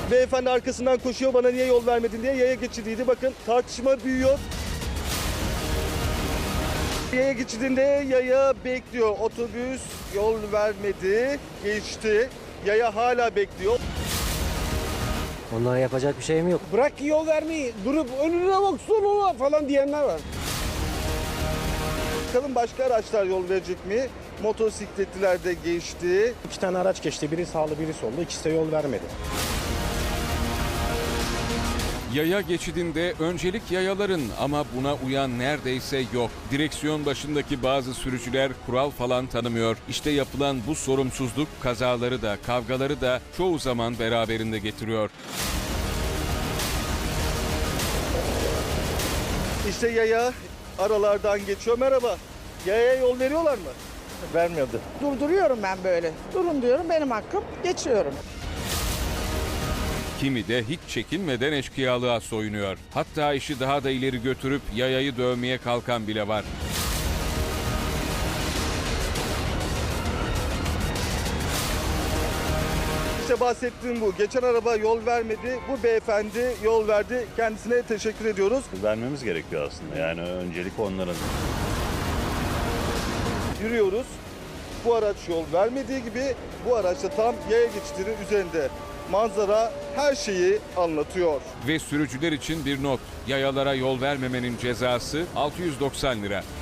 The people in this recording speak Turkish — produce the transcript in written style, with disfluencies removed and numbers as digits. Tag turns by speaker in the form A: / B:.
A: Beyefendi arkasından koşuyor, bana niye yol vermedin diye, yaya geçidiydi. Bakın tartışma büyüyor. Yaya geçidinde yaya bekliyor. Otobüs yol vermedi, geçti. Yaya hala bekliyor.
B: Onlara yapacak bir şeyim yok.
C: Bırak yol vermeyi, durup önüne baksana falan diyenler var.
A: Bakalım başka araçlar yol verecek mi? Motosikletliler de geçti.
C: 2 tane araç geçti. Biri sağlı, biri sollu. İkisi de yol vermedi.
D: Yaya geçidinde öncelik yayaların ama buna uyan neredeyse yok. Direksiyon başındaki bazı sürücüler kural falan tanımıyor. İşte yapılan bu sorumsuzluk kazaları da kavgaları da çoğu zaman beraberinde getiriyor.
A: İşte yaya aralardan geçiyor. Merhaba. Yayaya yol veriyorlar mı? Vermiyordu.
E: Durduruyorum ben böyle. Durun diyorum, benim hakkım, geçiyorum.
D: Kimi de hiç çekinmeden eşkıyalığa soyunuyor. Hatta işi daha da ileri götürüp yayayı dövmeye kalkan bile var.
A: İşte bahsettiğim bu. Geçen araba yol vermedi. Bu beyefendi yol verdi. Kendisine teşekkür ediyoruz.
F: Vermemiz gerekiyor aslında. Yani öncelik onların.
A: Yürüyoruz. Bu araç yol vermediği gibi bu araç da tam yaya geçidinin üzerinde. Manzara her şeyi anlatıyor.
D: Ve sürücüler için bir not. Yayalara yol vermemenin cezası 690 lira.